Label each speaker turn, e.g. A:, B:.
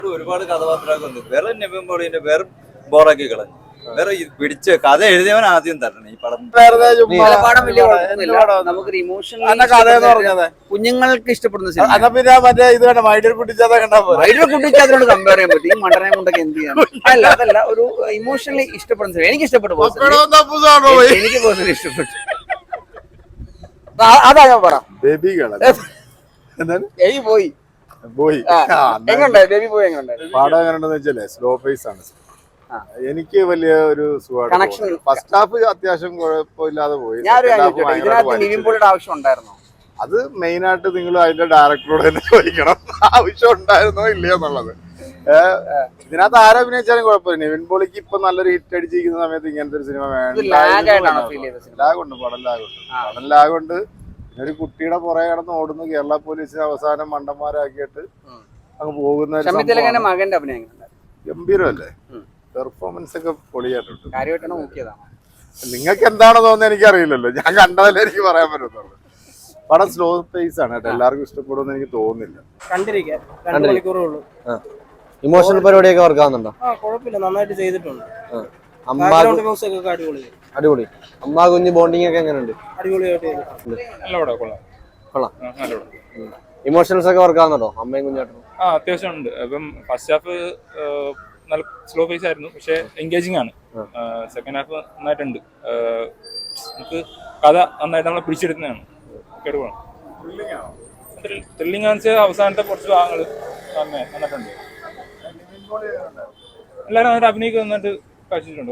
A: ഒരുപാട് കഥാപാത്രമൊക്കെ ഉണ്ട്. വേറെ നിവിൻ പോളിന്റെ വേറെ ബോറാക്കി കളഞ്ഞു. വേറെ പിടിച്ച് കഥ എഴുതിയവൻ ആദ്യം തരണം ഈ പടം.
B: പടം വലിയ കുഴപ്പമൊന്നുമില്ല. നമുക്കൊരു ഇമോഷണൽ കുഞ്ഞുങ്ങൾക്ക് ഇഷ്ടപ്പെടുന്ന സിനിമ.
C: പിന്നെ മറ്റേ ഇത് വേണ്ട വൈദ്യുതി കുട്ടിച്ചാതെ കണ്ടാ
B: വൈദ്യുതി കുട്ടിച്ചാതിനോട് കമ്പയർ ചെയ്യാൻ പറ്റും. ഈ മണ്ടനെ കൊണ്ടൊക്കെ എന്ത് ചെയ്യാം. അതല്ല ഒരു ഇമോഷണലി ഇഷ്ടപ്പെടുന്ന സിനിമ. എനിക്ക് ഇഷ്ടപ്പെട്ടു. എനിക്ക് പേഴ്സണലി ഇഷ്ടപ്പെട്ടു. അതാ ഞാൻ പറ
C: ബേബി
B: പോയി
C: പോയി
B: എങ്ങനെയുണ്ടായി ബേബി പോയി എങ്ങനെയുണ്ടായി?
C: പാടം എങ്ങനെയുണ്ടെന്ന് വെച്ചാലേ സ്ലോ പേസ് ആണ്. എനിക്ക് വലിയ ഒരു
B: കണക്ഷൻ.
C: ഫസ്റ്റ് ഹാഫ് അത്യാവശ്യം കുഴപ്പമില്ലാതെ പോയി.
B: നിവിൻ പോളിയുടെ ആവശ്യം ഉണ്ടായിരുന്നോ?
C: അത് മെയിൻ ആയിട്ട് നിങ്ങൾ അതിന്റെ ഡയറക്ടറോട് തന്നെ ചോദിക്കണം, ആവശ്യം ഉണ്ടായിരുന്നോ ഇല്ലയോ എന്നുള്ളത്. ഇതിനകത്ത് ആരഭിനയിച്ചാലും കുഴപ്പമില്ല. നിവിൻ പോളിക്ക് ഇപ്പൊ നല്ലൊരു ഹിറ്റ് അടിച്ചിരിക്കുന്ന സമയത്ത് ഇങ്ങനത്തെ ഒരു സിനിമ വേണ്ട. ലാഗുണ്ട്, പടം ലാഗുണ്ട്. ഒരു കുട്ടിയുടെ പുറകെ കിടന്ന് ഓടുന്നു, കേരള പോലീസിന് അവസാനം മണ്ടന്മാരാക്കിയിട്ട് അങ്ങ് പോകുന്ന
B: മകന്റെ അഭിനയം
C: ഗംഭീരമല്ലേ? പെർഫോമൻസ് ഒക്കെ പൊളിയായിട്ടുണ്ട്.
B: നോക്കിയതാണ്.
C: നിങ്ങൾക്ക് എന്താണോ തോന്നുന്നത് എനിക്കറിയില്ലല്ലോ, ഞാൻ കണ്ടതല്ലേ എനിക്ക് പറയാൻ പറ്റുന്നുള്ളൂ. പടം സ്ലോ പേസ് ആണ് കേട്ടോ, എല്ലാവർക്കും ഇഷ്ടപ്പെടുമെന്ന് എനിക്ക് തോന്നുന്നില്ല.
D: ഇമോഷണൽ പരിപാടിയൊക്കെ വർക്ക് ആവുന്നുണ്ടോ?
E: കുഴപ്പമില്ല, നന്നായിട്ട് ചെയ്തിട്ടുണ്ട്.
D: അടിപൊളി. അമ്മ കുഞ്ഞ് ബോണ്ടിങ് ഒക്കെ എങ്ങനെയുണ്ട്? കൊള്ളാം. ഇമോഷണൽസ് ഒക്കെ വർക്ക് ആവുന്നുണ്ടോ അമ്മയും കുഞ്ഞാട്ടും?
F: അത്യാവശ്യം ഉണ്ട്. ഇപ്പം ഫസ്റ്റ് ഹാഫ് നല്ല സ്ലോ പേസ് ആയിരുന്നു, പക്ഷെ എൻഗേജിങ് ആണ്. സെക്കൻഡ് ഹാഫ് നന്നായിട്ടുണ്ട്. നമുക്ക് കഥ നന്നായിട്ട് നമ്മളെ പിടിച്ചെടുക്കുന്നതാണ്. കേടുപോകണം. ത്രില്ലിംഗ് ആണെന്ന് വെച്ചാൽ അവസാനത്തെ കുറച്ച് ഭാഗങ്ങൾ നന്നായിട്ടുണ്ട്. എല്ലാവരും നന്നായിട്ട് അഭിനയിക്കുക നന്നായിട്ട് കാഴ്ചിട്ടുണ്ട്.